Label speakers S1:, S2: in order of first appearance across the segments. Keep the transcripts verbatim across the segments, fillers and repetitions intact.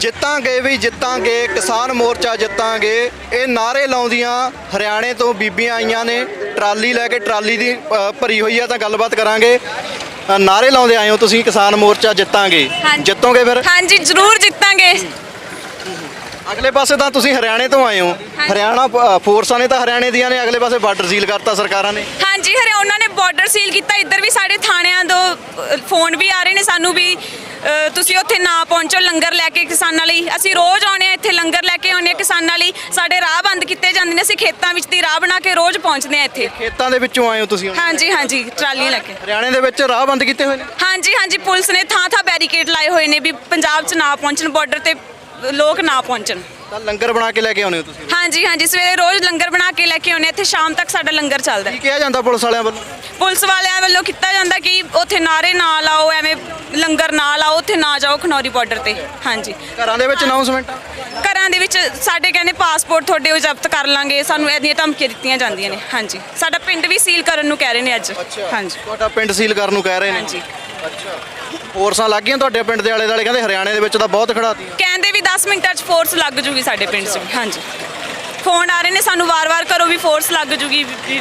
S1: ਜਿੱਤਾਂਗੇ ਵੀ ਜਿੱਤਾਂਗੇ ਕਿਸਾਨ ਮੋਰਚਾ ਜਿੱਤਾਂਗੇ ਇਹ ਨਾਰੇ ਲਾਉਂਦੀਆਂ ਹਰਿਆਣੇ ਤੋਂ ਬੀਬੀਆਂ ਆਈਆਂ ਨੇ ਟਰਾਲੀ ਲੈ ਕੇ ਟਰਾਲੀ ਦੀ ਅ, ਭਰੀ ਹੋਈ ਆ ਤਾਂ ਗੱਲਬਾਤ ਕਰਾਂਗੇ। ਅ, ਨਾਰੇ ਲਾਉਂਦੇ ਆਏ ਹੋ ਤੁਸੀਂ ਕਿਸਾਨ ਮੋਰਚਾ ਜਿੱਤਾਂਗੇ ਜਿੱਤੋਗੇ ਫਿਰ?
S2: ਹਾਂਜੀ ਜ਼ਰੂਰ ਜਿੱਤਾਂਗੇ।
S1: ਅਗਲੇ ਪਾਸੇ ਤਾਂ ਤੁਸੀਂ ਹਰਿਆਣੇ ਤੋਂ ਆਏ ਹੋ, ਹਰਿਆਣਾ ਅ, ਫੋਰਸਾਂ ਨੇ ਤਾਂ ਹਰਿਆਣੇ ਦੀਆਂ ਨੇ ਅਗਲੇ ਪਾਸੇ ਬਾਰਡਰ ਸੀਲ ਕਰਤਾ ਸਰਕਾਰਾਂ ਨੇ।
S2: ਹਾਂਜੀ ਹਰੇ ਉਹਨਾਂ ਨੇ ਬਾਰਡਰ ਸੀਲ ਕੀਤਾ। ਇੱਧਰ ਵੀ ਸਾਡੇ ਥਾਣਿਆਂ ਤੋਂ ਅ, ਫੋਨ ਵੀ ਆ ਰਹੇ ਨੇ ਸਾਨੂੰ ਵੀ ਅ, ਤੁਸੀਂ ਉੱਥੇ ਨਾ ਪਹੁੰਚੋ ਲੰਗਰ ਲੈ ਕੇ ਕਿਸਾਨਾਂ ਲਈ। ਅਸੀਂ ਰੋਜ਼ ਆਉਂਦੇ ਹਾਂ ਇੱਥੇ ਲੰਗਰ ਲੈ ਕੇ ਆਉਂਦੇ ਹਾਂ ਕਿਸਾਨਾਂ ਲਈ। ਸਾਡੇ ਰਾਹ ਬੰਦ ਕੀਤੇ ਜਾਂਦੇ ਨੇ, ਅਸੀਂ ਖੇਤਾਂ ਵਿੱਚ ਦੀ ਰਾਹ ਬਣਾ ਕੇ ਰੋਜ਼ ਪਹੁੰਚਦੇ ਹਾਂ ਇੱਥੇ।
S1: ਖੇਤਾਂ ਦੇ ਵਿੱਚੋਂ ਆਏ ਹੋ ਤੁਸੀਂ ਹੁਣ?
S2: ਹਾਂਜੀ ਹਾਂਜੀ ਟਰਾਲੀਆਂ ਲੈ ਕੇ।
S1: ਹਰਿਆਣੇ ਦੇ ਵਿੱਚ ਰਾਹ ਬੰਦ ਕੀਤੇ ਹੋਏ ਨੇ?
S2: ਹਾਂਜੀ ਹਾਂਜੀ ਪੁਲਿਸ ਨੇ ਥਾਂ ਥਾਂ ਬੈਰੀਕੇਡ ਲਾਏ ਹੋਏ ਨੇ ਵੀ ਪੰਜਾਬ 'ਚ ਨਾ ਪਹੁੰਚਣ, ਬਾਰਡਰ ਤੇ ਲੋਕ ਨਾ ਪਹੁੰਚਣ।
S1: ਤਾਂ ਲੰਗਰ ਬਣਾ ਕੇ ਲੈ ਕੇ ਆਉਂਦੇ ਹੋ ਤੁਸੀਂ?
S2: ਹਾਂਜੀ ਹਾਂਜੀ ਸਵੇਰੇ ਰੋਜ਼ ਲੰਗਰ ਬਣਾ ਕੇ ਲੈ ਕੇ ਆਉਂਦੇ ਇੱਥੇ, ਸ਼ਾਮ ਤੱਕ ਸਾਡਾ ਲੰਗਰ ਚੱਲਦਾ।
S1: ਕੀ ਕਿਹਾ ਜਾਂਦਾ ਪੁਲਿਸ ਵਾਲਿਆਂ ਵੱਲੋਂ?
S2: ਪੁਲਿਸ ਵਾਲਿਆਂ ਵੱਲੋਂ ਕੀਤਾ ਜਾਂਦਾ ਕਿ ਉੱਥੇ ਨਾਰੇ ਨਾ ਲਾਓ, ਐਵੇਂ ਲੰਗਰ ਨਾ ਲਾਓ, ਉੱਥੇ ਨਾ ਜਾਓ ਖਨੌਰੀ ਬਾਰਡਰ ਤੇ। ਹਾਂਜੀ
S1: ਘਰਾਂ ਦੇ ਵਿੱਚ ਅਨਾਉਂਸਮੈਂਟ?
S2: ਘਰਾਂ ਦੇ ਵਿੱਚ ਸਾਡੇ ਕਹਿੰਦੇ ਪਾਸਪੋਰਟ ਤੁਹਾਡੇ ਉਹ ਜ਼ਬਤ ਕਰ ਲਾਂਗੇ, ਸਾਨੂੰ ਇਹਦੀਆਂ ਧਮਕੀਆਂ ਦਿੱਤੀਆਂ ਜਾਂਦੀਆਂ ਨੇ। ਹਾਂਜੀ ਸਾਡਾ ਪਿੰਡ ਵੀ ਸੀਲ ਕਰਨ ਨੂੰ ਕਹਿ ਰਹੇ ਨੇ ਅੱਜ। ਹਾਂਜੀ
S1: ਤੁਹਾਡਾ ਪਿੰਡ ਸੀਲ ਕਰਨ ਨੂੰ ਕਹਿ ਰਹੇ ਨੇ?
S2: ਹਾਂਜੀ
S1: ਅੱਛਾ ਫੋਰਸਾਂ ਲੱਗ ਗਈਆਂ ਤੁਹਾਡੇ ਪਿੰਡ ਦੇ ਆਲੇ ਦੁਆਲੇ? ਕਹਿੰਦੇ ਹਰਿਆਣੇ ਦੇ ਵਿੱਚ ਤਾਂ ਬਹੁਤ ਖੜਾਤੀ।
S2: ਕਹਿੰਦੇ ਵੀ ਦਸ ਮਿੰਟਾਂ 'ਚ ਫੋਰਸ ਲੱਗ ਜੂਗੀ ਸਾਡੇ ਪਿੰਡ 'ਚ। ਹਾਂਜੀ ਫੋਨ ਆ ਰਹੇ ਨੇ ਸਾਨੂੰ ਵਾਰ-ਵਾਰ, ਕਰੋ ਵੀ ਫੋਰਸ ਲੱਗ ਜੂਗੀ ਵੀ।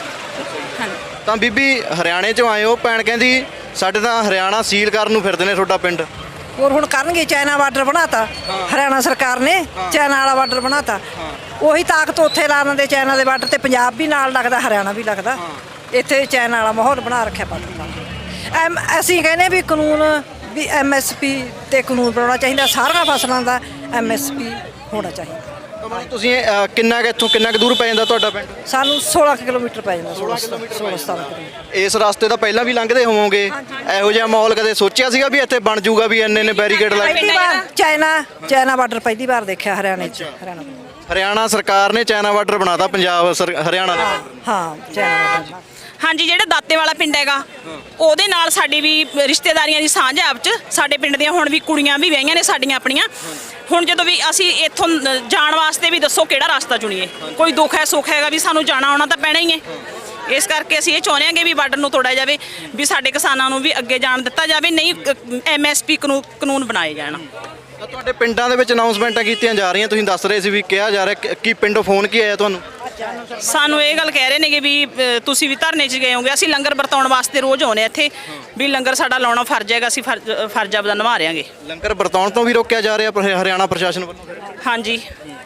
S2: ਹਾਂਜੀ
S1: ਤਾਂ ਬੀਬੀ ਹਰਿਆਣੇ ਚੋਂ ਆਏ ਹੋ, ਭੈਣ ਕਹਿੰਦੀ ਸਾਡੇ ਤਾਂ ਹਰਿਆਣਾ ਸੀਲ ਕਰਨ ਨੂੰ ਫਿਰਦੇ ਨੇ ਤੁਹਾਡਾ ਪਿੰਡ।
S3: ਹੋਰ ਹੁਣ ਕਰਨਗੇ, ਚਾਈਨਾ ਬਾਰਡਰ ਬਣਾਤਾ ਹਰਿਆਣਾ ਸਰਕਾਰ ਨੇ, ਚਾਈਨਾ ਵਾਲਾ ਬਾਰਡਰ ਬਣਾਤਾ। ਉਹੀ ਤਾਕਤ ਉੱਥੇ ਲਾ ਦਿੰਦੇ ਚਾਈਨਾ ਦੇ ਬਾਰਡਰ ਤੇ, ਪੰਜਾਬ ਵੀ ਨਾਲ ਲੱਗਦਾ ਹਰਿਆਣਾ ਵੀ ਲੱਗਦਾ। ਇੱਥੇ ਚਾਈਨਾ ਵਾਲਾ ਮਾਹੌਲ ਬਣਾ ਰੱਖਿਆ ਬਾਰਡਰ। ਐਮ ਅਸੀਂ ਕਹਿੰਦੇ ਵੀ ਕਾਨੂੰਨ ਵੀ ਐਮ ਐਸ ਪੀ ਤੇ ਕਾਨੂੰਨ ਬਣਾਉਣਾ ਚਾਹੀਦਾ, ਸਾਰੀਆਂ ਫਸਲਾਂ ਦਾ ਐਮ ਐਸ ਪੀ ਹੋਣਾ ਚਾਹੀਦਾ।
S1: ਤਾਂ ਮਤਲਬ ਤੁਸੀਂ ਅ, ਕਿੰਨਾ ਕੁ ਇੱਥੋਂ ਕਿੰਨਾ ਕੁ ਦੂਰ ਪੈ ਜਾਂਦਾ ਤੁਹਾਡਾ ਪਿੰਡ?
S3: ਸਾਨੂੰ ਸੋਲਾਂ ਕੁ ਕਿਲੋਮੀਟਰ ਪੈ ਜਾਂਦਾ, ਸੋਲਾਂ ਸਤਾਰਾਂ ਕਿਲੋਮੀਟਰ।
S1: ਇਸ ਰਸਤੇ ਤਾਂ ਪਹਿਲਾਂ ਵੀ ਲੰਘਦੇ ਹੋਵੋਗੇ, ਇਹੋ ਜਿਹਾ ਮਾਹੌਲ ਕਦੇ ਸੋਚਿਆ ਸੀਗਾ ਵੀ ਇੱਥੇ ਬਣ ਜਾਊਗਾ ਵੀ ਇੰਨੇ ਨੇ ਬੈਰੀਕੇਡ ਲਾਏ?
S3: ਪਹਿਲੀ ਵਾਰ ਚਾਈਨਾ ਚਾਈਨਾ ਬਾਰਡਰ ਪਹਿਲੀ ਵਾਰ ਦੇਖਿਆ ਹਰਿਆਣੇ 'ਚ। ਹਰਿਆਣਾ
S1: ਹਰਿਆਣਾ ਸਰਕਾਰ ਨੇ ਚਾਈਨਾ ਬਾਰਡਰ ਬਣਾਤਾ ਪੰਜਾਬ ਸਰ- ਹਰਿਆਣਾ ਦਾ।
S3: ਹਾਂ ਚਾਈਨਾ ਬਾਰਡਰ।
S4: ਹਾਂਜੀ ਜਿਹੜਾ ਦਾਤੇ ਵਾਲਾ ਪਿੰਡ ਹੈਗਾ ਉਹਦੇ ਨਾਲ ਸਾਡੀ ਵੀ ਰਿਸ਼ਤੇਦਾਰੀਆਂ ਦੀ ਸਾਂਝ ਹੈ ਆਪ 'ਚ। ਸਾਡੇ ਪਿੰਡ ਦੀਆਂ ਹੁਣ ਵੀ ਕੁੜੀਆਂ ਵੀ ਵਿਆਹੀਆਂ ਨੇ ਸਾਡੀਆਂ ਆਪਣੀਆਂ। ਹੁਣ ਜਦੋਂ ਵੀ ਅਸੀਂ ਇੱਥੋਂ ਜਾਣ ਵਾਸਤੇ ਵੀ ਦੱਸੋ ਕਿਹੜਾ ਰਸਤਾ ਚੁਣੀਏ, ਕੋਈ ਦੁੱਖ ਹੈ ਸੁੱਖ ਹੈਗਾ ਵੀ ਸਾਨੂੰ ਜਾਣਾ ਆਉਣਾ ਤਾਂ ਪੈਣਾ ਹੀ ਹੈ। ਇਸ ਕਰਕੇ ਅਸੀਂ ਇਹ ਚਾਹੁੰਦੇ ਹਾਂ ਕਿ ਵੀ ਬਾਰਡਰ ਨੂੰ ਤੋੜਿਆ ਜਾਵੇ, ਵੀ ਸਾਡੇ ਕਿਸਾਨਾਂ ਨੂੰ ਵੀ ਅੱਗੇ ਜਾਣ ਦਿੱਤਾ ਜਾਵੇ, ਨਹੀਂ ਐਮ ਐਸ ਪੀ ਕਾਨੂੰਨ ਬਣਾਏ ਜਾਣ।
S1: ਤਾਂ ਤੁਹਾਡੇ ਪਿੰਡਾਂ ਦੇ ਵਿੱਚ ਅਨਾਉਂਸਮੈਂਟਾਂ ਕੀਤੀਆਂ ਜਾ ਰਹੀਆਂ, ਤੁਸੀਂ ਦੱਸ ਰਹੇ ਸੀ ਵੀ ਕਿਹਾ ਜਾ ਰਿਹਾ, ਕਿ- ਕੀ ਪਿੰਡੋਂ ਫੋਨ ਕੀ ਆਇਆ ਤੁਹਾਨੂੰ?
S4: ਸਾਨੂੰ ਇਹ ਗੱਲ ਕਹਿ ਰਹੇ ਨੇ ਕਿ ਵੀ ਅ, ਤੁਸੀਂ ਵੀ ਧਰਨੇ 'ਚ ਗਏ ਹੋਗੇ। ਅਸੀਂ ਲੰਗਰ ਵਰਤਾਉਣ ਵਾਸਤੇ ਰੋਜ਼ ਆਉਂਦੇ ਇੱਥੇ, ਵੀ ਲੰਗਰ ਸਾਡਾ ਲਾਉਣਾ ਫਰਜ਼ ਹੈਗਾ, ਅਸੀਂ ਫਰਜ਼ ਫਰਜ਼ ਆਪਦਾ ਨਿਭਾ ਰਹੇ
S1: ਲੰਗਰ ਵਰਤਾਉਣ ਤੋਂ ਵੀ ਰੋਕਿਆ ਜਾ ਰਿਹਾ ਪਰ ਹਰਿਆਣਾ ਪ੍ਰਸ਼ਾਸਨ ਵੱਲੋਂ?
S4: ਹਾਂਜੀ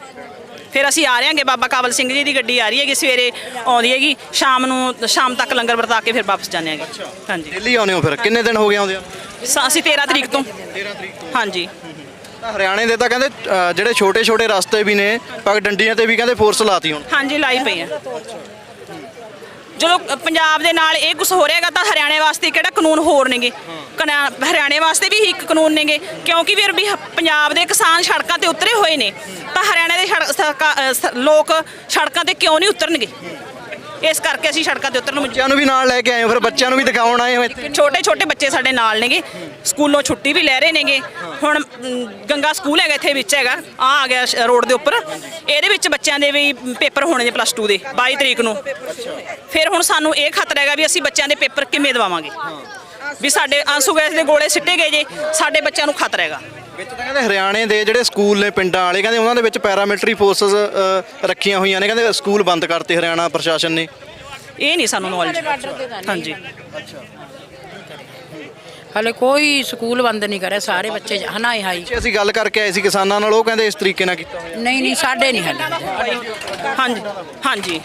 S4: ਫਿਰ ਅਸੀਂ ਆ ਰਹੇ ਹਾਂਗੇ, ਬਾਬਾ ਕਾਬਲ ਸਿੰਘ ਜੀ ਦੀ ਗੱਡੀ ਆ ਰਹੀ ਹੈਗੀ, ਸਵੇਰੇ ਆਉਂਦੀ ਹੈਗੀ, ਸ਼ਾਮ ਨੂੰ ਸ਼ਾਮ ਤੱਕ ਲੰਗਰ ਵਰਤਾ ਕੇ ਫਿਰ ਵਾਪਸ ਜਾਂਦੇ ਹੈਗੇ। ਹਾਂਜੀ
S1: ਦਿੱਲੀ ਆਉਂਦੇ ਹੋ ਫਿਰ? ਕਿੰਨੇ ਦਿਨ ਹੋ ਗਏ ਆਉਂਦੇ ਆ?
S4: ਸ- ਅਸੀਂ ਤੇਰਾਂ ਤਰੀਕ ਤੋਂ।
S1: ਤੇਰਾਂ ਤਰੀਕ ਤੋਂ।
S4: ਹਾਂਜੀ
S1: ਤਾਂ ਹਰਿਆਣੇ ਦੇ ਤਾਂ ਕਹਿੰਦੇ ਅ, ਜਿਹੜੇ ਛੋਟੇ ਛੋਟੇ ਰਸਤੇ ਵੀ ਨੇ ਪਗ ਡੰਡੀਆਂ ਤੇ ਵੀ ਕਹਿੰਦੇ ਫੋਰਸ ਲਾਤੀ ਹੁਣ।
S4: ਹਾਂਜੀ ਲਾਈ ਪਈ ਆ। ਜਦੋਂ ਪੰਜਾਬ ਦੇ ਨਾਲ ਇਹ ਕੁਝ ਹੋ ਰਿਹਾਗਾ ਤਾਂ ਹਰਿਆਣੇ ਵਾਸਤੇ ਕਿਹੜਾ ਕਾਨੂੰਨ ਹੋਰ ਨੇਗੇ? ਕਨਾ- ਹਰਿਆਣੇ ਵਾਸਤੇ ਵੀ ਇੱਕ ਕਾਨੂੰਨ ਨੇਗੇ, ਕਿਉਂਕਿ ਫਿਰ ਵੀ ਹ- ਪੰਜਾਬ ਦੇ ਕਿਸਾਨ ਸੜਕਾਂ ਤੇ ਉਤਰੇ ਹੋਏ ਨੇ, ਤਾਂ ਹਰਿਆਣੇ ਦੇ ਸੜਕ- ਸਰਕਾ- ਅ, ਸ- ਲੋਕ ਸੜਕਾਂ ਤੇ ਕਿਉਂ ਨਹੀਂ ਉਤਰਨਗੇ? ਇਸ ਕਰਕੇ ਅਸੀਂ ਸੜਕਾਂ ਤੇ ਉਤਰਨ ਨੂੰ
S1: ਬੱਚਿਆਂ ਨੂੰ ਵੀ ਨਾਲ ਲੈ ਕੇ ਆਏ ਹੋ ਫਿਰ? ਬੱਚਿਆਂ ਨੂੰ ਵੀ ਦਿਖਾਉਣ ਆਏ ਹੋ ਇੱਥੇ?
S4: ਛੋਟੇ ਛੋਟੇ ਬੱਚੇ ਸਾਡੇ ਨਾਲ ਨੇਗੇ, ਸਕੂਲੋਂ ਛੁੱਟੀ ਵੀ ਲੈ ਰਹੇ ਨੇਗੇ। ਹੁਣ ਮ, ਗੰਗਾ ਸਕੂਲ ਹੈਗਾ ਇੱਥੇ ਵਿੱਚ ਹੈਗਾ, ਆ ਆ ਗਿਆ ਸ਼- ਰੋਡ ਦੇ ਉੱਪਰ। ਇਹਦੇ ਵਿੱਚ ਬੱਚਿਆਂ ਦੇ ਵੀ ਪੇਪਰ ਹੋਣੇ ਨੇ ਪਲੱਸ ਟੂ ਦੇ ਬਾਈ ਤਰੀਕ ਨੂੰ। ਫਿਰ ਹੁਣ ਸਾਨੂੰ ਇਹ ਖਤਰਾ ਹੈਗਾ ਵੀ ਅਸੀਂ ਬੱਚਿਆਂ ਦੇ ਪੇਪਰ ਕਿਵੇਂ ਦਵਾਵਾਂਗੇ, ਵੀ ਸਾਡੇ ਆਂਸੂ ਗੈਸ ਦੇ ਗੋਲੇ ਸਿੱਟੇ ਗਏ ਜੇ, ਸਾਡੇ ਬੱਚਿਆਂ ਨੂੰ ਖਤਰਾ ਹੈਗਾ।
S1: ਵਿੱਚ ਤਾਂ ਕਹਿੰਦੇ ਹਰਿਆਣੇ ਦੇ ਜਿਹੜੇ ਸਕੂਲ ਨੇ ਪਿੰਡਾਂ ਵਾਲੇ, ਕਹਿੰਦੇ ਉਹਨਾਂ ਦੇ ਵਿੱਚ ਪੈਰਾਮਿਲਟਰੀ ਫੋਰਸਸ ਰੱਖੀਆਂ ਹੋਈਆਂ ਨੇ, ਕਹਿੰਦੇ ਸਕੂਲ ਬੰਦ ਕਰਤੇ ਹਰਿਆਣਾ ਪ੍ਰਸ਼ਾਸਨ ਨੇ।
S4: ਇਹ ਨਹੀਂ ਸਾਨੂੰ ਨੌਲੇਜ। ਹਾਂਜੀ
S5: ਹਲੇ ਕੋਈ ਸਕੂਲ ਬੰਦ ਨਹੀਂ ਕਰਿਆ, ਸਾਰੇ ਬੱਚੇ ਹਨਾਏ ਹਾਈ।
S1: ਜੇ ਅਸੀਂ ਗੱਲ ਕਰਕੇ ਆਏ ਸੀ ਕਿਸਾਨਾਂ ਨਾਲ, ਉਹ ਕਹਿੰਦੇ ਇਸ ਤਰੀਕੇ ਨਾਲ ਕੀਤਾ ਹੋਇਆ।
S5: ਨਹੀਂ ਨਹੀਂ ਸਾਡੇ ਨਹੀਂ ਹਲੇ।
S4: ਹਾਂਜੀ ਹਾਂਜੀ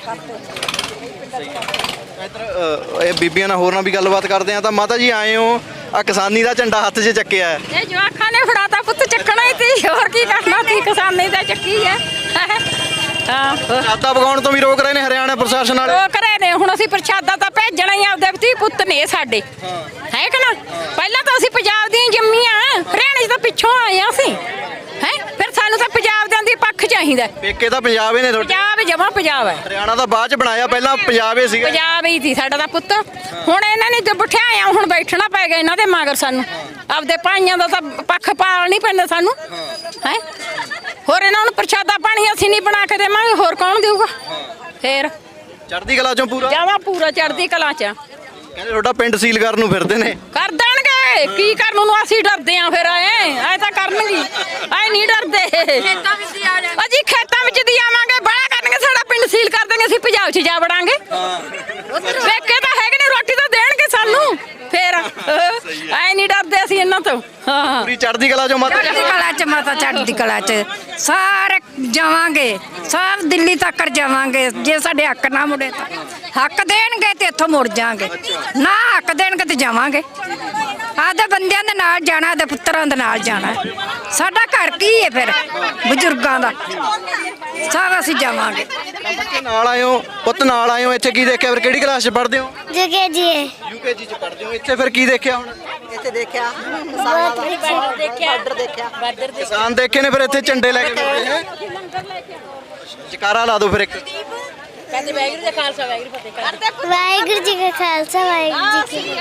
S1: ਇੱਧਰ ਅ, ਇਹ ਬੀਬੀਆਂ ਨਾਲ ਹੋਰ ਨਾਲ ਵੀ ਗੱਲਬਾਤ ਕਰਦੇ ਆ। ਤਾਂ ਮਾਤਾ ਜੀ ਆਏ ਹੋ, ਆ ਕਿਸਾਨੀ ਦਾ ਝੰਡਾ ਹੱਥ 'ਚ ਚੱਕਿਆ ਹੈ।
S6: ਇਹ ਜਵਾਖਾਂ ਨੇ ਫੜਾਤਾ, ਪੁੱਤ ਚੱਕਣਾ ਹੀ ਤੀ, ਹੋਰ ਕੀ ਕਰਨਾ ਤੀ, ਕਿਸਾਨੀ ਦਾ ਚੱਕੀ ਹੈ। ਹਾਂ
S1: ਪ੍ਰਸ਼ਾਦਾ ਪਕਾਉਣ ਤੋਂ ਵੀ ਰੋਕ ਰਹੇ ਨੇ ਹਰਿਆਣਾ ਪ੍ਰਸ਼ਾਸਨ ਵਾਲੇ।
S6: ਉਹ ਕਰੇ ਨੇ, ਹੁਣ ਅਸੀਂ ਪ੍ਰਸ਼ਾਦਾ ਤਾਂ ਭੇਜਣਾ ਹੀ, ਆਪਦੇ ਧੀ ਪੁੱਤ ਨੇ ਸਾਡੇ, ਹੈ ਕਿ ਨਾ? ਪਹਿਲਾਂ ਤਾਂ ਅਸੀਂ ਪੰਜਾਬ ਦੀਆਂ ਜੰਮੀਆਂ, ਹਰਿਆਣੇ 'ਚ ਤਾਂ ਪਿੱਛੋਂ ਆਏ ਆ ਅਸੀਂ, ਹੈ। ਫਿਰ ਸਾਨੂੰ ਤਾਂ ਪੰਜਾਬ ਦੇ ਦੀ ਪੱਖ ਚਾਹੀਦਾ।
S1: ਪੇਕੇ ਤਾਂ ਪੰਜਾਬ ਹੀ ਨੇ ਤੁਹਾਡੇ?
S6: ਪੰਜਾਬ ਜਮਾ ਪੰਜਾਬ ਹੈ।
S1: ਹਰਿਆਣਾ ਤਾਂ ਬਾਅਦ 'ਚ ਬਣਾਇਆ, ਪਹਿਲਾਂ ਪੰਜਾਬ ਹੀ ਸੀਗਾ।
S6: ਪੰਜਾਬ ਹੀ ਸੀ ਸਾਡਾ ਤਾਂ ਪੁੱਤ। ਹੁਣ ਇਹਨਾਂ ਨੇ ਤੇ ਬਿਠਾਇਆ, ਹੁਣ ਬੈਠਣਾ ਪੈ ਗਿਆ ਇਹਨਾਂ ਦੇ ਮਗਰ ਸਾਨੂੰ। ਆਪਦੇ ਭਾਈਆਂ ਦਾ ਤਾਂ ਪੱਖ ਪਾਲ ਨਹੀਂ ਪੈਂਦਾ ਸਾਨੂੰ, ਹੈ। ਹੋਰ ਇਹਨਾਂ ਨੂੰ ਪ੍ਰਸ਼ਾਦਾ ਪਾਣੀ ਅਸੀਂ ਨਹੀਂ ਬਣਾ ਕੇ ਦੇਵਾਂਗੇ, ਹੋਰ ਕੌਣ ਦੇਊਗਾ? ਫੇਰ
S1: ਚੜ੍ਹਦੀ ਕਲਾ ਚੋਂ ਪੂਰਾ?
S6: ਜਾਵਾਂ ਪੂਰਾ ਚੜ੍ਹਦੀ ਕਲਾ ਚ।
S1: ਕਹਿੰਦੇ ਤੁਹਾਡਾ ਪਿੰਡ ਸੀਲ ਕਰਨ ਨੂੰ ਫਿਰਦੇ ਨੇ।
S6: ਕਰ ਦੇਣਗੇ, ਕੀ ਕਰਨ ਨੂੰ ਅਸੀਂ ਡਰਦੇ ਆ ਫਿਰ ਐ ਐ ਤਾਂ ਕਰਨਗੇ, ਐ ਨਹੀਂ ਡਰਦੇ। ਅਜੀ ਖੇਤਾਂ ਵਿੱਚ ਦੀ ਆਵਾਂਗੇ, ਬੜਾ ਕਰਨਗੇ, ਸਾਡਾ ਪਿੰਡ ਸੀਲ ਕਰ ਦੇਣਗੇ, ਅਸੀਂ ਪੰਜਾਬ 'ਚ ਜਾ ਵੜਾਂਗੇ। ਵੇਖੇ ਤਾਂ ਹੈਗੇ ਨੇ, ਰੋਟੀ ਤਾਂ ਦੇਣਗੇ ਸਾਨੂੰ ਫਿਰ, ਐ ਨਹੀਂ ਡਰਦੇ ਅਸੀਂ ਇਹਨਾਂ ਤੋਂ। ਹਾਂ,
S1: ਪੂਰੀ ਚੜ੍ਹਦੀ ਕਲਾ ਚੋਂ ਮਾਤਾ
S7: ਚੜ੍ਹਦੀ ਕਲਾ ਚ ਮਾਤਾ, ਚੜ੍ਹਦੀ ਕਲਾ ਚ ਸਾਰੇ ਜਾਵਾਂਗੇ, ਸਭ ਦਿੱਲੀ ਤੱਕ ਜਾਵਾਂਗੇ। ਜੇ ਸਾਡੇ ਹੱਕ ਨਾ ਮੁੜੇ ਤਾਂ ਹੱਕ ਦੇਣਗੇ ਤੇ ਇੱਥੋਂ ਮੁੜ ਜਾਾਂਗੇ, ਨਾ ਹੱਕ ਦੇਣਗੇ ਤੇ ਜਾਵਾਂਗੇ। ਆਦੇ ਬੰਦਿਆਂ ਦੇ ਨਾਲ ਜਾਣਾ, ਆਦੇ ਪੁੱਤਰਾਂ ਦੇ ਨਾਲ ਜਾਣਾ। ਸਾਡਾ ਘਰ ਕੀ ਹੈ ਫਿਰ ਬਜ਼ੁਰਗਾਂ ਦਾ, ਸਭ ਅਸੀਂ ਜਾਵਾਂਗੇ।
S1: ਬੱਚੇ ਨਾਲ ਆਏ ਹੋ, ਪੁੱਤ ਨਾਲ ਆਏ ਹੋ, ਇੱਥੇ ਕੀ ਦੇਖਿਆ ਫਿਰ? ਕਿਹੜੀ ਕਲਾਸ 'ਚ ਪੜ੍ਹਦੇ ਹੋ?
S8: ਜਗੇ ਜੀ
S1: ਯੂਕੇਜੀ 'ਚ ਪੜ੍ਹਦੇ ਹੋ। ਇੱਥੇ ਫਿਰ ਕੀ ਦੇਖਿਆ ਹੁਣ?
S3: ਇੱਥੇ ਦੇਖਿਆ ਕਿਸਾਨਾਂ ਦਾ ਬਾਰਡਰ ਦੇਖਿਆ।
S1: ਕਿਸਾਨ ਦੇਖੇ ਨੇ, ਫਿਰ ਇੱਥੇ ਝੰਡੇ ਲੈ ਕੇ ਬੈਠੇ ਹੈ। ਜਕਾਰਾ ਲਾ ਦਿਓ ਫਿਰ ਇੱਕ।
S8: ਵਾਹਿਗੁਰੂ ਜੀ ਕਾ ਖਾਲਸਾ ਵਾਹਿਗੁਰੂ ਜੀ ਕੀ ਫਤਿਹ।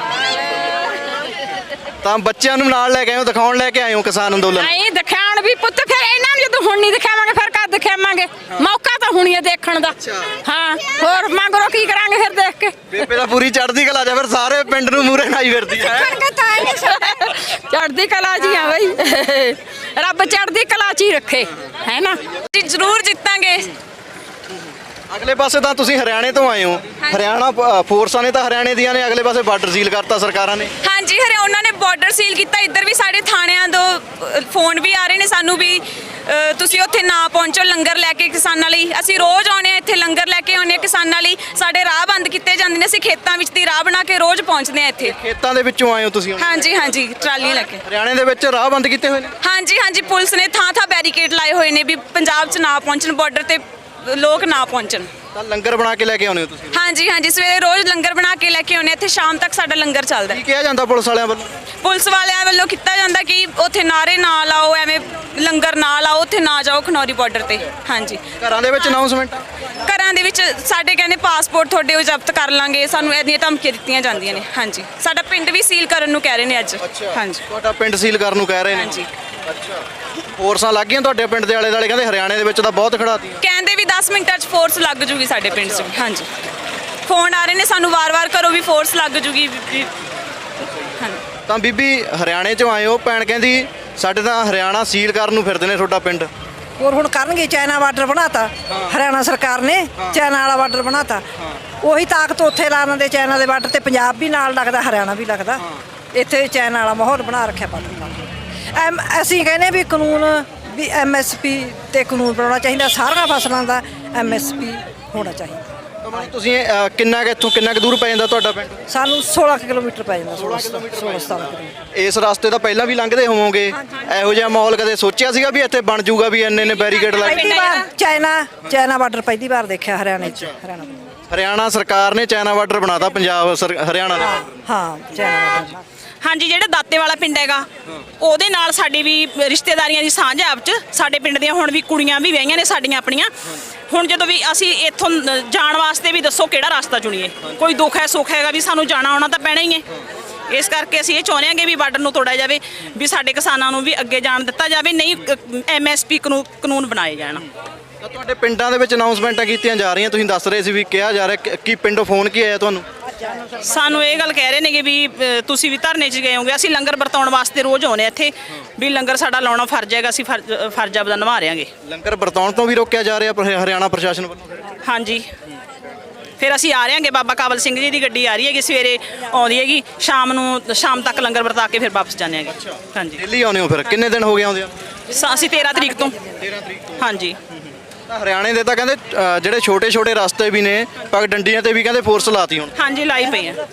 S1: ਤਾਂ ਬੱਚਿਆਂ ਨੂੰ ਨਾਲ ਲੈ ਕੇ ਆਏ ਹੋ, ਦਿਖਾਉਣ ਲੈ ਕੇ ਆਏ ਹੋ ਕਿਸਾਨ ਅੰਦੋਲਨ।
S6: ਨਹੀਂ ਦਿਖਾਉਣ ਵੀ ਪੁੱਤ, ਫਿਰ ਇਹਨਾਂ ਨੂੰ ਜਦੋਂ ਹੁਣ ਨਹੀਂ ਦਿਖਾਵਾਂਗੇ ਫਿਰ ਕਦ ਦਿਖਾਵਾਂਗੇ? ਮੌਕਾ ਤਾਂ ਹੁਣੀ ਹੈ ਦੇਖਣ ਦਾ। ਹਾਂ, ਹੋਰ ਮੰਗਰੋ ਕੀ ਕਰਾਂਗੇ ਫਿਰ ਦੇਖ ਕੇ?
S1: ਬੇਬੇ ਦਾ ਪੂਰੀ ਚੜ੍ਹਦੀ ਕਲਾ ਜਾ, ਫਿਰ ਸਾਰੇ ਪਿੰਡ ਨੂੰ ਮੂਰੇ ਨਾਈ ਫਿਰਦੀ ਹੈ।
S6: ਚੜ੍ਹਦੀ ਕਲਾ ਜੀ ਆ ਬਈ, ਰੱਬ ਚੜ੍ਹਦੀ ਕਲਾ ਚ ਹੀ ਰੱਖੇ, ਹੈ ਨਾ।
S2: ਜੀ ਜ਼ਰੂਰ ਜਿੱਤਾਂਗੇ।
S1: ਅਗਲੇ ਪਾਸੇ ਤਾਂ ਤੁਸੀਂ ਹਰਿਆਣੇ ਤੋਂ ਆਏ ਹੋ, ਹਰਿਆਣਾ ਪ- ਫੋਰਸਾਂ ਨੇ ਤਾਂ ਹਰਿਆਣੇ ਦੀਆਂ ਨੇ, ਅਗਲੇ ਪਾਸੇ ਬਾਰਡਰ ਸੀਲ ਕਰਤਾ ਸਰਕਾਰਾਂ ਨੇ।
S2: ਹਾਂਜੀ, ਹਰੇ ਉਹਨਾਂ ਨੇ ਬਾਰਡਰ ਸੀਲ ਕੀਤਾ। ਇੱਧਰ ਵੀ ਸਾਡੇ ਥਾਣਿਆਂ ਤੋਂ ਅ, ਫੋਨ ਵੀ ਆ ਰਹੇ ਨੇ ਸਾਨੂੰ ਵੀ ਅ, ਤੁਸੀਂ ਉੱਥੇ ਨਾ ਪਹੁੰਚੋ ਲੰਗਰ ਲੈ ਕੇ ਕਿਸਾਨਾਂ ਲਈ। ਅਸੀਂ ਰੋਜ਼ ਆਉਂਦੇ ਹਾਂ ਇੱਥੇ, ਲੰਗਰ ਲੈ ਕੇ ਆਉਂਦੇ ਹਾਂ ਕਿਸਾਨਾਂ ਲਈ। ਸਾਡੇ ਰਾਹ ਬੰਦ ਕੀਤੇ ਜਾਂਦੇ ਨੇ, ਅਸੀਂ ਖੇਤਾਂ ਵਿੱਚ ਦੀ ਰਾਹ ਬਣਾ ਕੇ ਰੋਜ਼ ਪਹੁੰਚਦੇ ਹਾਂ ਇੱਥੇ।
S1: ਖੇਤਾਂ ਦੇ ਵਿੱਚੋਂ ਆਏ ਹੋ ਤੁਸੀਂ ਹੁਣ?
S2: ਹਾਂਜੀ ਹਾਂਜੀ, ਟਰਾਲੀਆਂ ਲੈ ਕੇ।
S1: ਹਰਿਆਣੇ ਦੇ ਵਿੱਚ ਰਾਹ ਬੰਦ ਕੀਤੇ ਹੋਏ ਨੇ।
S2: ਹਾਂਜੀ ਹਾਂਜੀ, ਪੁਲਿਸ ਨੇ ਥਾਂ ਥਾਂ ਬੈਰੀਕੇਡ ਲਾਏ ਹੋਏ ਨੇ ਵੀ ਪੰਜਾਬ 'ਚ ਨਾ ਪਹੁੰਚਣ, ਬਾਰਡਰ ਤੇ ਲੋਕ ਨਾ ਪਹੁੰਚਣ।
S1: ਤਾਂ ਲੰਗਰ ਬਣਾ ਕੇ ਲੈ ਕੇ ਆਉਂਦੇ ਹੋ ਤੁਸੀਂ?
S2: ਹਾਂਜੀ ਹਾਂਜੀ, ਸਵੇਰੇ ਰੋਜ਼ ਲੰਗਰ ਬਣਾ ਕੇ ਲੈ ਕੇ ਆਉਂਦੇ ਹਾਂ ਇੱਥੇ, ਸ਼ਾਮ ਤੱਕ ਸਾਡਾ ਲੰਗਰ ਚੱਲਦਾ।
S1: ਕੀ ਕਿਹਾ ਜਾਂਦਾ ਪੁਲਿਸ ਵਾਲਿਆਂ ਵੱਲੋਂ?
S2: ਪੁਲਿਸ ਵਾਲਿਆਂ ਵੱਲੋਂ ਕੀਤਾ ਜਾਂਦਾ ਕਿ ਉੱਥੇ ਨਾਰੇ ਨਾ ਲਾਓ, ਐਵੇਂ ਲੰਗਰ ਨਾ ਲਾਓ, ਉੱਥੇ ਨਾ ਜਾਓ ਖਨੌਰੀ ਬਾਰਡਰ ਤੇ। ਹਾਂਜੀ,
S1: ਘਰਾਂ ਦੇ ਵਿੱਚ ਅਨਾਉਂਸਮੈਂਟ?
S2: ਘਰਾਂ ਦੇ ਵਿੱਚ ਸਾਡੇ ਕਹਿੰਦੇ ਪਾਸਪੋਰਟ ਤੁਹਾਡੇ ਉਹ ਜ਼ਬਤ ਕਰ ਲਾਂਗੇ, ਸਾਨੂੰ ਇਹਦੀਆਂ ਧਮਕੀਆਂ ਦਿੱਤੀਆਂ ਜਾਂਦੀਆਂ ਨੇ। ਹਾਂਜੀ, ਸਾਡਾ ਪਿੰਡ ਵੀ ਸੀਲ ਕਰਨ ਨੂੰ ਕਹਿ ਰਹੇ ਨੇ ਅੱਜ। ਹਾਂਜੀ
S1: ਤੁਹਾਡਾ ਪਿੰਡ ਸੀਲ ਕਰਨ ਨੂੰ ਕਹਿ ਰਹੇ ਨੇ?
S2: ਹਾਂਜੀ,
S1: ਅੱਛਾ, ਫੋਰਸਾਂ ਲੱਗ ਗਈਆਂ ਤੁਹਾਡੇ ਪਿੰਡ ਦੇ ਆਲੇ ਦੁਆਲੇ? ਕਹਿੰਦੇ ਹਰਿਆਣੇ ਦੇ ਵਿੱਚ ਤਾਂ ਬਹੁਤ ਖੜਾਤੀ।
S2: ਕਹਿੰਦੇ ਵੀ ਦਸ ਮਿੰਟਾਂ 'ਚ ਫੋਰਸ ਲੱਗ ਜੂਗੀ ਸਾਡੇ ਪਿੰਡ 'ਚ। ਹਾਂਜੀ, ਫੋਨ ਆ ਰਹੇ ਨੇ ਸਾਨੂੰ ਵਾਰ-ਵਾਰ, ਕਰੋ ਵੀ ਫੋਰਸ ਲੱਗ ਜੂਗੀ ਵੀ। ਹਾਂਜੀ,
S1: ਤਾਂ ਬੀਬੀ ਹਰਿਆਣੇ ਚੋਂ ਆਏ ਹੋ, ਭੈਣ ਕਹਿੰਦੀ ਸਾਡੇ ਤਾਂ ਹਰਿਆਣਾ ਸੀਲ ਕਰਨ ਨੂੰ ਫਿਰਦੇ ਨੇ ਤੁਹਾਡਾ ਪਿੰਡ।
S3: ਹੋਰ ਹੁਣ ਕਰਨਗੇ, ਚਾਈਨਾ ਬਾਰਡਰ ਬਣਾਤਾ ਹਰਿਆਣਾ ਸਰਕਾਰ ਨੇ, ਚਾਈਨਾ ਵਾਲਾ ਬਾਰਡਰ ਬਣਾਤਾ। ਉਹੀ ਤਾਕਤ ਉੱਥੇ ਲਾ ਦਿੰਦੇ ਚਾਈਨਾ ਦੇ ਬਾਰਡਰ ਤੇ, ਪੰਜਾਬ ਵੀ ਨਾਲ ਲੱਗਦਾ, ਹਰਿਆਣਾ ਵੀ ਲੱਗਦਾ। ਇੱਥੇ ਚਾਈਨਾ ਵਾਲਾ ਮਾਹੌਲ ਬਣਾ ਰੱਖਿਆ ਪਾਕਿਸਤਾਨ ਨੇ। ਐਮ ਅਸੀਂ ਕਹਿੰਦੇ ਵੀ ਕਾਨੂੰਨ ਵੀ ਐਮ ਐਸ ਪੀ ਤੇ ਕਾਨੂੰਨ ਬਣਾਉਣਾ ਚਾਹੀਦਾ, ਸਾਰੀਆਂ ਫਸਲਾਂ ਦਾ ਐਮ ਐਸ ਪੀ ਹੋਣਾ ਚਾਹੀਦਾ।
S1: ਤਾਂ ਮਤਲਬ ਤੁਸੀਂ ਅਹ, ਕਿੰਨਾ ਕੁ ਇੱਥੋਂ ਕਿੰਨਾ ਕੁ ਦੂਰ ਪੈ ਜਾਂਦਾ ਤੁਹਾਡਾ ਪਿੰਡ?
S3: ਸਾਨੂੰ ਸੋਲਾਂ ਕੁ ਕਿਲੋਮੀਟਰ ਪੈ ਜਾਂਦਾ, ਸੋਲਾਂ ਸੋਲਾਂ ਸਤਾਰਾਂ ਕਿਲੋਮੀਟਰ।
S1: ਇਸ ਰਸਤੇ ਤਾਂ ਪਹਿਲਾਂ ਵੀ ਲੰਘਦੇ ਹੋਵੋਗੇ, ਇਹੋ ਜਿਹਾ ਮਾਹੌਲ ਕਦੇ ਸੋਚਿਆ ਸੀਗਾ ਵੀ ਇੱਥੇ ਬਣ ਜਾਊਗਾ, ਵੀ ਇੰਨੇ ਨੇ ਬੈਰੀਕੇਡ ਲੱਗ?
S3: ਪਹਿਲੀ ਵਾਰ ਚਾਈਨਾ ਚਾਈਨਾ ਬਾਰਡਰ ਪਹਿਲੀ ਵਾਰ ਦੇਖਿਆ ਹਰਿਆਣੇ 'ਚ। ਹਰਿਆਣਾ
S1: ਹਰਿਆਣਾ ਸਰਕਾਰ ਨੇ ਚਾਈਨਾ ਬਾਰਡਰ ਬਣਾਤਾ ਪੰਜਾਬ ਸਰ- ਹਰਿਆਣਾ ਦਾ।
S3: ਹਾਂ, ਚਾਈਨਾ ਬਾਰਡਰ।
S4: ਹਾਂਜੀ, ਜਿਹੜਾ ਦਾਤੇ ਵਾਲਾ ਪਿੰਡ ਹੈਗਾ ਉਹਦੇ ਨਾਲ ਸਾਡੀ ਵੀ ਰਿਸ਼ਤੇਦਾਰੀਆਂ ਦੀ ਸਾਂਝ ਹੈ ਆਪ 'ਚ। ਸਾਡੇ ਪਿੰਡ ਦੀਆਂ ਹੁਣ ਵੀ ਕੁੜੀਆਂ ਵੀ ਵਿਆਹੀਆਂ ਨੇ ਸਾਡੀਆਂ ਆਪਣੀਆਂ। ਹੁਣ ਜਦੋਂ ਵੀ ਅਸੀਂ ਇੱਥੋਂ ਜਾਣ ਵਾਸਤੇ ਵੀ ਦੱਸੋ ਕਿਹੜਾ ਰਸਤਾ ਚੁਣੀਏ? ਕੋਈ ਦੁੱਖ ਹੈ ਸੁੱਖ ਹੈਗਾ ਵੀ ਸਾਨੂੰ ਜਾਣਾ ਆਉਣਾ ਤਾਂ ਪੈਣਾ ਹੀ ਹੈ। ਇਸ ਕਰਕੇ ਅਸੀਂ ਇਹ ਚਾਹੁੰਦੇ ਹਾਂ ਕਿ ਵੀ ਬਾਰਡਰ ਨੂੰ ਤੋੜਿਆ ਜਾਵੇ, ਵੀ ਸਾਡੇ ਕਿਸਾਨਾਂ ਨੂੰ ਵੀ ਅੱਗੇ ਜਾਣ ਦਿੱਤਾ ਜਾਵੇ, ਨਹੀਂ ਐਮ ਐਸ ਪੀ ਕਾਨੂੰਨ ਬਣਾਏ ਜਾਣ।
S1: ਤਾਂ ਤੁਹਾਡੇ ਪਿੰਡਾਂ ਦੇ ਵਿੱਚ ਅਨਾਉਂਸਮੈਂਟਾਂ ਕੀਤੀਆਂ ਜਾ ਰਹੀਆਂ, ਤੁਸੀਂ ਦੱਸ ਰਹੇ ਸੀ ਵੀ ਕਿਹਾ ਜਾ ਰਿਹਾ, ਕਿ- ਕੀ ਪਿੰਡੋਂ ਫੋਨ ਕੀ ਆਇਆ ਤੁਹਾਨੂੰ?
S4: ਸਾਨੂੰ ਇਹ ਗੱਲ ਕਹਿ ਰਹੇ ਨੇ ਕਿ ਵੀ ਅ, ਤੁਸੀਂ ਵੀ ਧਰਨੇ 'ਚ ਗਏ ਹੋਗੇ। ਅਸੀਂ ਲੰਗਰ ਵਰਤਾਉਣ ਵਾਸਤੇ ਰੋਜ਼ ਆਉਂਦੇ ਇੱਥੇ, ਵੀ ਲੰਗਰ ਸਾਡਾ ਲਾਉਣਾ ਫਰਜ਼ ਹੈਗਾ, ਅਸੀਂ ਫਰਜ਼ ਫਰਜ਼ ਆਪਦਾ ਨਿਭਾ ਰਹੇਗੇ।
S1: ਲੰਗਰ ਵਰਤਾਉਣ ਤੋਂ ਵੀ ਰੋਕਿਆ ਜਾ ਰਿਹਾ ਪਰ ਹਰਿਆਣਾ ਪ੍ਰਸ਼ਾਸਨ ਵੱਲੋਂ?
S4: ਹਾਂਜੀ, ਫਿਰ ਅਸੀਂ ਆ ਰਹੇ ਹਾਂਗੇ, ਬਾਬਾ ਕਾਬਲ ਸਿੰਘ ਜੀ ਦੀ ਗੱਡੀ ਆ ਰਹੀ ਹੈਗੀ, ਸਵੇਰੇ ਆਉਂਦੀ ਹੈਗੀ, ਸ਼ਾਮ ਨੂੰ ਸ਼ਾਮ ਤੱਕ ਲੰਗਰ ਵਰਤਾ ਕੇ ਫਿਰ ਵਾਪਸ ਜਾਂਦੇ ਹਾਂਗੇ। ਹਾਂਜੀ,
S1: ਦਿੱਲੀ ਆਉਂਦੇ ਹੋ ਫਿਰ? ਕਿੰਨੇ ਦਿਨ ਹੋ ਗਏ ਆਉਂਦੇ ਆ?
S4: ਸ- ਅਸੀਂ ਤੇਰਾਂ ਤਰੀਕ ਤੋਂ।
S1: ਤੇਰਾਂ ਤਰੀਕ ਤੋਂ।
S4: ਹਾਂਜੀ,
S1: ਤਾਂ ਹਰਿਆਣੇ ਦੇ ਤਾਂ ਕਹਿੰਦੇ ਅ, ਜਿਹੜੇ ਛੋਟੇ ਛੋਟੇ ਰਸਤੇ ਵੀ ਨੇ, ਪਗ ਡੰਡੀਆਂ ਤੇ ਵੀ ਕਹਿੰਦੇ ਫੋਰਸ ਲਾਤੀ ਹੁਣ।
S4: ਹਾਂਜੀ ਲਾਈ ਪਈ ਆ।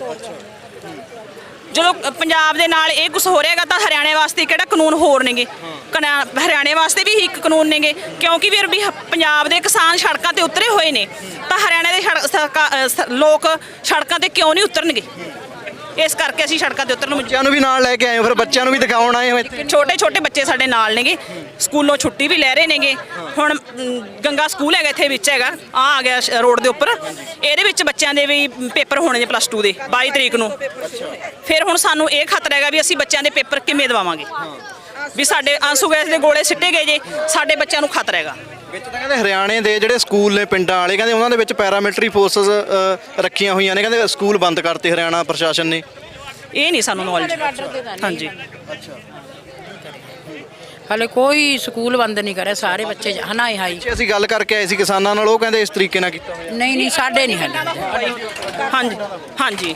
S4: ਜਦੋਂ ਪੰਜਾਬ ਦੇ ਨਾਲ ਇਹ ਕੁਝ ਹੋ ਰਿਹਾਗਾ ਤਾਂ ਹਰਿਆਣੇ ਵਾਸਤੇ ਕਿਹੜਾ ਕਾਨੂੰਨ ਹੋਰ ਨੇਗੇ? ਕਨਾ- ਹਰਿਆਣੇ ਵਾਸਤੇ ਵੀ ਇੱਕ ਕਾਨੂੰਨ ਨੇਗੇ, ਕਿਉਂਕਿ ਵੀਰ ਵੀ ਹ- ਪੰਜਾਬ ਦੇ ਕਿਸਾਨ ਸੜਕਾਂ ਤੇ ਉਤਰੇ ਹੋਏ ਨੇ, ਤਾਂ ਹਰਿਆਣੇ ਦੇ ਸੜਕ- ਸਰਕਾ- ਅ, ਸ- ਲੋਕ ਸੜਕਾਂ ਤੇ ਕਿਉਂ ਨਹੀਂ ਉਤਰਨਗੇ? ਇਸ ਕਰਕੇ ਅਸੀਂ ਸੜਕਾਂ ਤੇ ਉਤਰਨ ਨੂੰ
S1: ਬੱਚਿਆਂ ਨੂੰ ਵੀ ਨਾਲ ਲੈ ਕੇ ਆਏ ਹੋ, ਫਿਰ ਬੱਚਿਆਂ ਨੂੰ ਵੀ ਦਿਖਾਉਣ ਆਏ ਹੋ ਇੱਥੇ?
S4: ਛੋਟੇ ਛੋਟੇ ਬੱਚੇ ਸਾਡੇ ਨਾਲ ਨੇਗੇ, ਸਕੂਲੋਂ ਛੁੱਟੀ ਵੀ ਲੈ ਰਹੇ ਨੇਗੇ। ਹੁਣ ਮ, ਗੰਗਾ ਸਕੂਲ ਹੈਗਾ ਇੱਥੇ ਵਿੱਚ ਹੈਗਾ, ਆ ਆ ਗਿਆ ਸ਼- ਰੋਡ ਦੇ ਉੱਪਰ। ਇਹਦੇ ਵਿੱਚ ਬੱਚਿਆਂ ਦੇ ਵੀ ਪੇਪਰ ਹੋਣੇ ਨੇ ਪਲੱਸ ਟੂ ਦੇ ਬਾਈ ਤਰੀਕ ਨੂੰ। ਫਿਰ ਹੁਣ ਸਾਨੂੰ ਇਹ ਖਤਰਾ ਹੈਗਾ ਵੀ ਅਸੀਂ ਬੱਚਿਆਂ ਦੇ ਪੇਪਰ ਕਿਵੇਂ ਦਵਾਵਾਂਗੇ? ਵੀ ਸਾਡੇ ਆਂਸੂ ਗੈਸ ਦੇ ਗੋਲੇ ਸਿੱਟੇ ਗਏ ਜੇ, ਸਾਡੇ ਬੱਚਿਆਂ ਨੂੰ ਖਤਰਾ ਹੈਗਾ।
S1: ਵਿੱਚ ਤਾਂ ਕਹਿੰਦੇ ਹਰਿਆਣੇ ਦੇ ਜਿਹੜੇ ਸਕੂਲ ਨੇ ਪਿੰਡਾਂ ਵਾਲੇ ਕਹਿੰਦੇ ਉਹਨਾਂ ਦੇ ਵਿੱਚ ਪੈਰਾਮਿਲਟਰੀ ਫੋਰਸਸ ਰੱਖੀਆਂ ਹੋਈਆਂ ਨੇ, ਕਹਿੰਦੇ ਸਕੂਲ ਬੰਦ ਕਰਤੇ ਹਰਿਆਣਾ ਪ੍ਰਸ਼ਾਸਨ ਨੇ।
S4: ਇਹ ਨਹੀਂ ਸਾਨੂੰ ਨੌਲੇਜ। ਹਾਂਜੀ
S5: ਹਲੇ ਕੋਈ ਸਕੂਲ ਬੰਦ ਨਹੀਂ ਕਰਿਆ, ਸਾਰੇ ਬੱਚੇ ਹਨਾਏ ਹਾਈ।
S1: ਪਿੱਛੇ ਅਸੀਂ ਗੱਲ ਕਰਕੇ ਆਏ ਸੀ ਕਿਸਾਨਾਂ ਨਾਲ, ਉਹ ਕਹਿੰਦੇ ਇਸ ਤਰੀਕੇ ਨਾਲ ਕੀਤਾ ਹੋਇਆ।
S5: ਨਹੀਂ ਨਹੀਂ ਸਾਡੇ ਨਹੀਂ ਹਲੇ।
S4: ਹਾਂਜੀ ਹਾਂਜੀ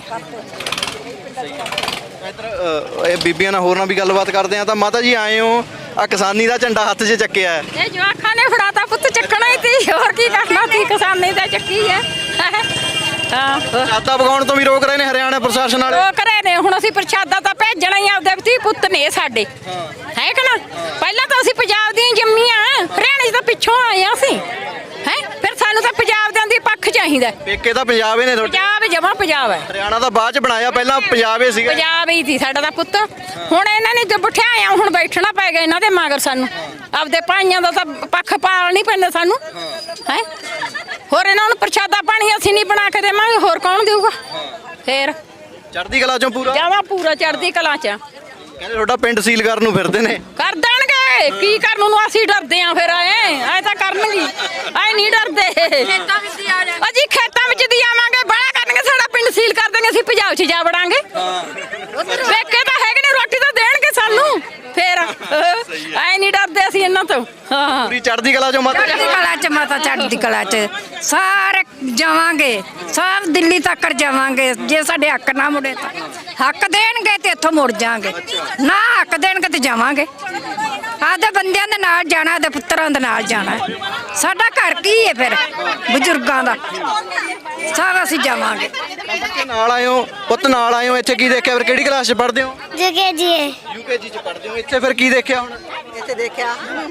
S1: ਇੱਧਰ ਅ, ਇਹ ਬੀਬੀਆਂ ਨਾਲ ਹੋਰ ਨਾਲ ਵੀ ਗੱਲਬਾਤ ਕਰਦੇ ਆ। ਤਾਂ ਮਾਤਾ ਜੀ ਆਏ ਹੋ, ਆ ਕਿਸਾਨੀ ਦਾ ਝੰਡਾ ਹੱਥ 'ਚ ਚੱਕਿਆ ਹੈ।
S6: ਇਹ ਜਵਾਖਾਂ ਨੇ ਫੜਾਤਾ ਪੁੱਤ, ਚੱਕਣਾ ਹੀ ਤੀ, ਹੋਰ ਕੀ ਕਰਨਾ ਤੀ, ਕਿਸਾਨੀ ਦਾ ਚੱਕੀ ਹੈ। ਹਾਂ
S1: ਪ੍ਰਸ਼ਾਦਾ ਪਕਾਉਣ ਤੋਂ ਵੀ ਰੋਕ ਰਹੇ ਨੇ ਹਰਿਆਣਾ ਪ੍ਰਸ਼ਾਸਨ ਵਾਲੇ।
S6: ਉਹ ਕਰੇ ਨੇ, ਹੁਣ ਅਸੀਂ ਪ੍ਰਸ਼ਾਦਾ ਤਾਂ ਭੇਜਣਾ ਹੀ, ਆਪਦੇ ਧੀ ਪੁੱਤ ਨੇ ਸਾਡੇ, ਹੈ ਕਿ ਨਾ। ਪਹਿਲਾਂ ਤਾਂ ਅਸੀਂ ਪੰਜਾਬ ਦੀਆਂ ਜੰਮੀਆਂ, ਹਰਿਆਣੇ 'ਚ ਤਾਂ ਪਿੱਛੋਂ ਆਏ ਆ ਅਸੀਂ, ਹੈ। ਫਿਰ ਸਾਨੂੰ ਤਾਂ ਪੰਜਾਬ ਦੇ ਦੀ ਪੱਖ ਚਾਹੀਦਾ।
S1: ਪੇਕੇ ਤਾਂ ਪੰਜਾਬ ਹੀ ਨੇ ਤੁਹਾਡੇ।
S6: ਪੰਜਾਬ ਜਮਾ ਪੰਜਾਬ ਹੈ।
S1: ਹਰਿਆਣਾ ਤਾਂ ਬਾਅਦ 'ਚ ਬਣਾਇਆ, ਪਹਿਲਾਂ ਪੰਜਾਬ ਹੀ ਸੀਗਾ।
S6: ਪੰਜਾਬ ਹੀ ਸੀ ਸਾਡਾ ਦਾ ਪੁੱਤ। ਹੁਣ ਇਹਨਾਂ ਨੇ ਜੇ ਬਿਠਾਇਆ, ਹੁਣ ਬੈਠਣਾ ਪੈ ਗਿਆ ਇਹਨਾਂ ਦੇ ਮਗਰ ਸਾਨੂੰ। ਆਪਦੇ ਭਾਈਆਂ ਦਾ ਤਾਂ ਪੱਖ ਪਾਲ ਨਹੀਂ ਪੈਂਦਾ ਸਾਨੂੰ, ਹੈ। ਹੋਰ ਇਹਨਾਂ ਨੂੰ ਪ੍ਰਸ਼ਾਦਾ ਪਾਣੀ ਅਸੀਂ ਨਹੀਂ ਬਣਾ ਕੇ ਦੇਵਾਂਗੇ, ਹੋਰ ਕੌਣ ਦੇਊਗਾ ਫੇਰ।
S1: ਚੜ੍ਹਦੀ ਕਲਾ ਚੋਂ ਪੂਰਾ
S6: ਜਾਵਾ ਪੂਰਾ ਚੜ੍ਹਦੀ ਕਲਾ ਚ।
S1: ਕਹਿੰਦੇ ਤੁਹਾਡਾ ਪਿੰਡ ਸੀਲ ਕਰਨ ਨੂੰ ਫਿਰਦੇ ਨੇ।
S6: ਕਰ ਦੇਣਗੇ, ਕੀ ਕਰਨ ਨੂੰ ਅਸੀਂ ਡਰਦੇ ਆਂ ਫਿਰ। ਐ ਐ ਤਾਂ ਕਰਨਗੇ, ਐ ਨਹੀਂ ਡਰਦੇ। ਅਜੀ ਖੇਤਾਂ ਵਿੱਚ ਦੀ ਆਵਾਂਗੇ, ਬੜਾ ਕਰਨਗੇ, ਸਾਡਾ ਪਿੰਡ ਸੀਲ ਕਰ ਦੇਣਗੇ, ਅਸੀਂ ਪੰਜਾਬ 'ਚ ਜਾ ਵੜਾਂਗੇ। ਵੇਖੇ ਤਾਂ ਹੈਗੇ ਨੇ, ਰੋਟੀ ਤਾਂ ਦੇਣਗੇ ਸਾਨੂੰ ਫੇਰ। ਐ ਨਹੀਂ ਡਰਦੇ ਅਸੀਂ ਇਹਨਾਂ ਤੋਂ। ਹਾਂ
S1: ਪੂਰੀ ਚੜ੍ਹਦੀ ਕਲਾ ਚੋਂ ਮਾਤਾ।
S7: ਚੜ੍ਹਦੀ ਕਲਾ ਚ ਮਾਤਾ, ਚੜ੍ਹਦੀ ਕਲਾ ਚ ਸਾਰੇ ਜਾਵਾਂਗੇ, ਸਭ ਦਿੱਲੀ ਤੱਕ ਜਾਵਾਂਗੇ। ਜੇ ਸਾਡੇ ਹੱਕ ਨਾ ਮੁੜੇ ਤਾਂ ਹੱਕ ਦੇਣਗੇ ਤੇ ਇੱਥੋਂ ਮੁੜ ਜਾਾਂਗੇ, ਨਾ ਹੱਕ ਦੇਣਗੇ ਤੇ ਜਾਵਾਂਗੇ। ਆਦੇ ਬੰਦਿਆਂ ਦੇ ਨਾਲ ਜਾਣਾ, ਆਦੇ ਪੁੱਤਰਾਂ ਦੇ ਨਾਲ ਜਾਣਾ। ਸਾਡਾ ਘਰ ਕੀ ਹੈ ਫਿਰ, ਬਜ਼ੁਰਗਾਂ ਦਾ। ਸਾਰਾ ਅਸੀਂ ਜਾਵਾਂਗੇ।
S1: ਬੱਚੇ ਨਾਲ ਆਏ ਹੋ, ਪੁੱਤ ਨਾਲ ਆਏ ਹੋ, ਇੱਥੇ ਕੀ ਦੇਖਿਆ ਫਿਰ? ਕਿਹੜੀ ਕਲਾਸ 'ਚ ਪੜ੍ਹਦੇ ਹੋ?
S8: ਜਗੇ ਜੀ
S1: ਯੂਕੇਜੀ 'ਚ ਪੜ੍ਹਦੇ ਹੋ। ਇੱਥੇ ਫਿਰ ਕੀ ਦੇਖਿਆ ਹੁਣ?
S3: ਇੱਥੇ ਦੇਖਿਆ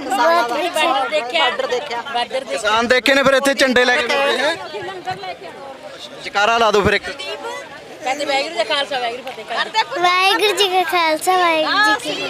S1: ਕਿਸਾਨ ਦੇਖੇ ਨੇ, ਫਿਰ ਇੱਥੇ ਝੰਡੇ ਲੈ ਕੇ ਬੈਠੇ ਹੈ। ਜਕਾਰਾ ਲਾ ਦਿਓ ਫਿਰ ਇੱਕ।
S8: ਵਾਹਿਗੁਰੂ ਜੀ ਕਾ ਖਾਲਸਾ ਵਾਹਿਗੁਰੂ ਜੀ ਕੀ ਫਤਿਹ।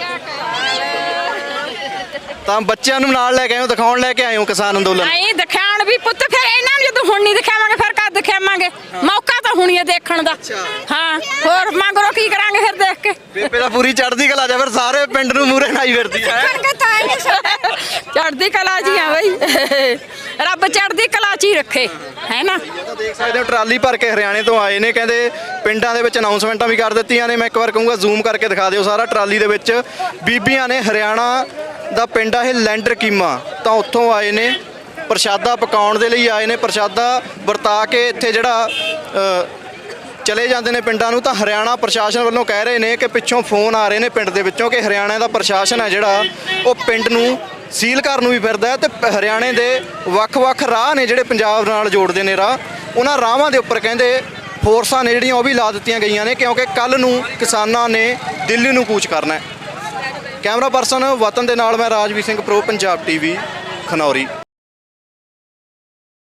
S1: ਤਾਂ ਬੱਚਿਆਂ ਨੂੰ ਨਾਲ ਲੈ ਕੇ ਆਏ ਹੋ, ਦਿਖਾਉਣ ਲੈ ਕੇ ਆਏ ਹੋ ਕਿਸਾਨ ਅੰਦੋਲਨ।
S6: ਨਹੀਂ ਦਿਖਾਉਣ ਵੀ ਪੁੱਤ, ਫਿਰ ਇਹਨਾਂ ਨੂੰ ਜਦੋਂ ਹੁਣ ਨਹੀਂ ਦਿਖਾਵਾਂਗੇ ਫਿਰ ਕਦ ਦਿਖਾਵਾਂਗੇ? ਮੌਕਾ ਤਾਂ ਹੁਣੀ ਹੈ ਦੇਖਣ ਦਾ। ਹਾਂ ਹੋਰ ਮੰਗਰੋ ਕੀ ਕਰਾਂਗੇ ਫਿਰ ਦੇਖ ਕੇ।
S1: ਬੇਬੇ ਦਾ ਪੂਰੀ ਚੜ੍ਹਦੀ ਕਲਾ ਜਾ, ਫਿਰ ਸਾਰੇ ਪਿੰਡ ਨੂੰ ਮੂਰੇ ਨਾਈ ਫਿਰਦੀ ਹੈ।
S6: ਚੜ੍ਹਦੀ ਕਲਾ ਜੀ ਆ ਬਈ, ਰੱਬ ਚੜ੍ਹਦੀ ਕਲਾ ਚ ਹੀ ਰੱਖੇ, ਹੈ ਨਾ।
S1: ਦੇਖ ਸਕਦੇ ਹੋ ਟਰਾਲੀ ਭਰ ਕੇ ਹਰਿਆਣੇ ਤੋਂ ਆਏ ਨੇ। ਕਹਿੰਦੇ ਪਿੰਡਾਂ ਦੇ ਵਿੱਚ ਅਨਾਉਂਸਮੈਂਟਾਂ ਵੀ ਕਰ ਦਿੱਤੀਆਂ ਨੇ। ਮੈਂ ਇੱਕ ਵਾਰ ਕਹੂੰਗਾ ਜ਼ੂਮ ਕਰਕੇ ਦਿਖਾ ਦਿਓ ਸਾਰਾ ਟਰਾਲੀ ਦੇ ਵਿੱਚ ਬੀਬੀਆਂ ਨੇ। ਹਰਿਆਣਾ ਦਾ ਪਿੰਡ ਆ ਇਹ ਲੈਂਡਰ ਕੀਮਾ, ਤਾਂ ਉੱਥੋਂ ਆਏ ਨੇ, ਪ੍ਰਸ਼ਾਦਾ ਪਕਾਉਣ ਦੇ ਲਈ ਆਏ ਨੇ। ਪ੍ਰਸ਼ਾਦਾ ਵਰਤਾ ਕੇ ਇੱਥੇ ਜਿਹੜਾ ਅ, ਚਲੇ ਜਾਂਦੇ ਨੇ ਪਿੰਡਾਂ ਨੂੰ। ਤਾਂ ਹਰਿਆਣਾ ਪ੍ਰਸ਼ਾਸਨ ਵੱਲੋਂ ਕਹਿ ਰਹੇ ਨੇ ਕਿ ਪਿੱਛੋਂ ਫੋਨ ਆ ਰਹੇ ਨੇ ਪਿੰਡ ਦੇ ਵਿੱਚੋਂ ਕਿ ਹਰਿਆਣਾ ਦਾ ਪ੍ਰਸ਼ਾਸਨ ਹੈ ਜਿਹੜਾ ਉਹ ਪਿੰਡ ਨੂੰ ਸੀਲ ਕਰਨ ਨੂੰ ਵੀ ਫਿਰਦਾ ਹੈ। ਤੇ ਹਰਿਆਣੇ ਦੇ ਵੱਖ-ਵੱਖ ਰਾਹ ਨੇ ਜਿਹੜੇ ਪੰਜਾਬ ਨਾਲ ਜੋੜਦੇ ਨੇ ਰਾਹ, ਉਹਨਾਂ ਰਾਹਾਂ ਦੇ ਉੱਪਰ ਕਹਿੰਦੇ ਫੋਰਸਾਂ ਨੇ ਜਿਹੜੀਆਂ ਉਹ ਵੀ ਲਾ ਦਿੱਤੀਆਂ ਗਈਆਂ ਨੇ, ਕਿਉਂਕਿ ਕੱਲ ਨੂੰ ਕਿਸਾਨਾਂ ਨੇ ਦਿੱਲੀ ਨੂੰ ਕੂਚ ਕਰਨਾ ਹੈ। ਕੈਮਰਾ ਪਰਸਨ ਵਤਨ ਦੇ ਨਾਲ ਮੈਂ ਰਾਜਵੀਰ ਸਿੰਘ, ਪ੍ਰੋ ਪੰਜਾਬ ਟੀਵੀ, ਖਨੌਰੀ।